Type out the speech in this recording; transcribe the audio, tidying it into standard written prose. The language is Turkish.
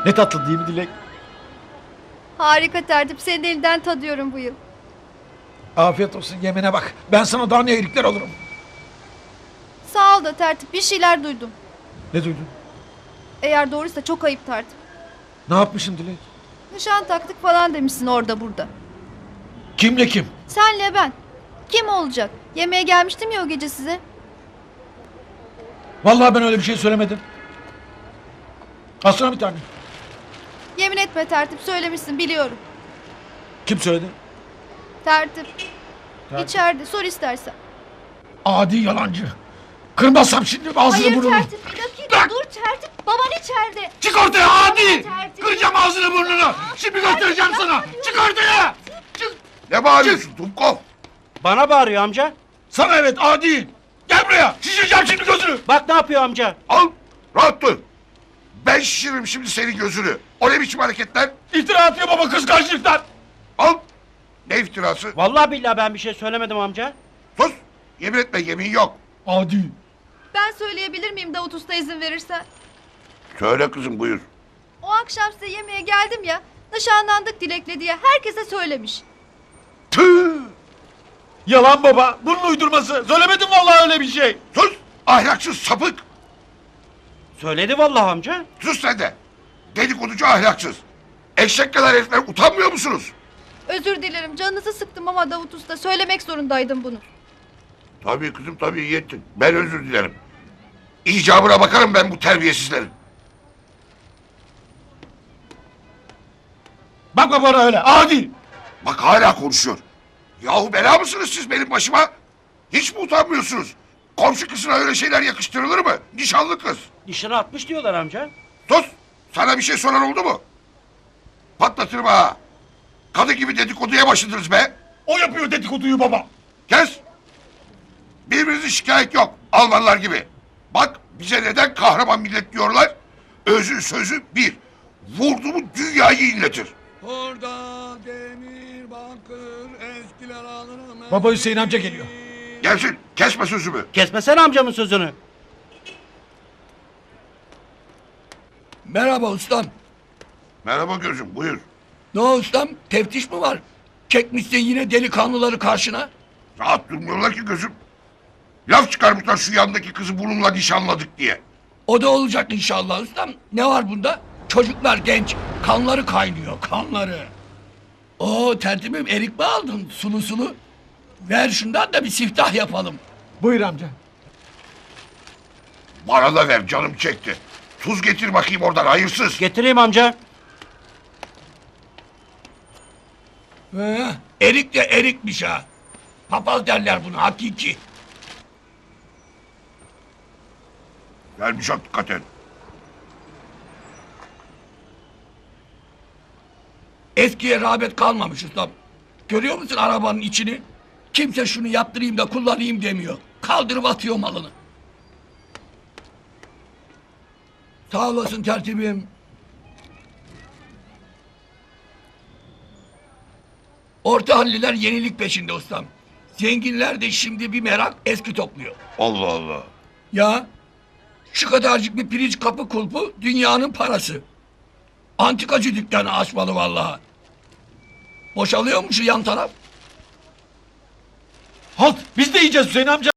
Ne tatlı değil mi Dilek? Harika tertip. Senin elinden tadıyorum bu yıl. Afiyet olsun, yemene bak. Ben sana daha ne iyilikler alırım. Sağ ol da tertip. Bir şeyler duydum. Ne duydun? Eğer doğruysa çok ayıp tertip. Ne yapmışım Dilek? Nişan taktık falan demişsin orada burada. Kimle kim? Senle ben. Kim olacak? Yemeğe gelmiştim ya o gece size. Vallahi ben öyle bir şey söylemedim. Alsana bir tane. Yemin etme tertip, söylemişsin biliyorum. Kim söyledi? Tertip. Tertip. İçeride sor istersen. Adi yalancı. Kırmazsam şimdi ağzını Hayır burnunu. tertip, bir dakika dur tertip. Baban içeride. Çık ortaya adi! Tertip. Kıracağım ağzını burnunu. Şimdi göstereceğim sana. Çık ortaya! Çık! Ne bağırıyorsun Dumkov? Bana bağırıyor amca. Sana evet adi! Gel buraya! Şişireceğim şimdi gözünü! Bak ne yapıyor amca. Al, rahat dur. Ben şişiririm şimdi senin gözünü. O ne biçim hareketler? İftira atıyor baba kıskançlıktan! Al. Ne iftirası? Vallahi billahi ben bir şey söylemedim amca. Sus. Yemin etme, yemin yok. Adi! Ben söyleyebilir miyim Davut Usta izin verirsen? Söyle kızım, buyur. O akşam size yemeğe geldim ya. Nişanlandık Dilek'le diye herkese söylemiş. Tüh! Yalan baba! Bunun uydurması! Söylemedim vallahi öyle bir şey! Sus! Ahlaksız sapık! Söyledi vallahi amca. Sus sen de! Dedikoducu ahlaksız! Eşek kadar herifler, utanmıyor musunuz? Özür dilerim, canınızı sıktım ama Davut Usta söylemek zorundaydım bunu. Tabii kızım, tabii iyi ettin. Ben özür dilerim. İcabına bakarım ben bu terbiyesizlerin. Bakma bana öyle adi! Bak hala konuşuyor. Yahu bela mısınız siz benim başıma? Hiç mi utanmıyorsunuz? Komşu kızına öyle şeyler yakıştırılır mı? Nişanlı kız. Nişana atmış diyorlar amca. Sus! Sana bir şey soran oldu mu? Patlatırım ha! Kadı gibi dedikoduya başladınız be! O yapıyor dedikoduyu baba! Kes! Birbirinizi şikayet yok, Almanlar gibi. Bak bize neden kahraman millet diyorlar? Özü sözü bir. Vurdu mu dünyayı inletir. Orada demir bakır eskiler alırım. Baba Hüseyin amca geliyor. Gelsin, kesme sözümü. Kesmesene amcamın sözünü. Merhaba ustam. Merhaba gözüm, buyur. Ne o ustam? Teftiş mi var? Çekmişsin yine delikanlıları karşına. Rahat durmuyorlar ki gözüm. Laf çıkarmışlar şu yandaki kızı bununla nişanladık diye. O da olacak inşallah ustam. Ne var bunda? Çocuklar genç. Kanları kaynıyor, kanları. Oo tertibim erik mi aldın sulu sulu? Ver şundan da bir siftah yapalım. Buyur amca. Bana da ver, canım çekti. Tuz getir bakayım oradan, hayırsız. Getireyim amca. Erik de erikmiş ha. Papaz derler buna hakiki. Gelmiş hakikaten. Eskiye rağbet kalmamış ustam. Görüyor musun arabanın içini? Kimse şunu yaptırayım da kullanayım demiyor. Kaldırıp atıyor malını. Sağ olasın tertibim. Orta halliler yenilik peşinde ustam. Zenginler de şimdi bir merak eski topluyor. Allah Allah. Ya şu kadarcık bir pirinç kapı kulpu dünyanın parası. Antikacı dükkanı açmalı vallahi. Boşalıyor mu şu yan taraf? Halt! Biz de yiyeceğiz Hüseyin amca!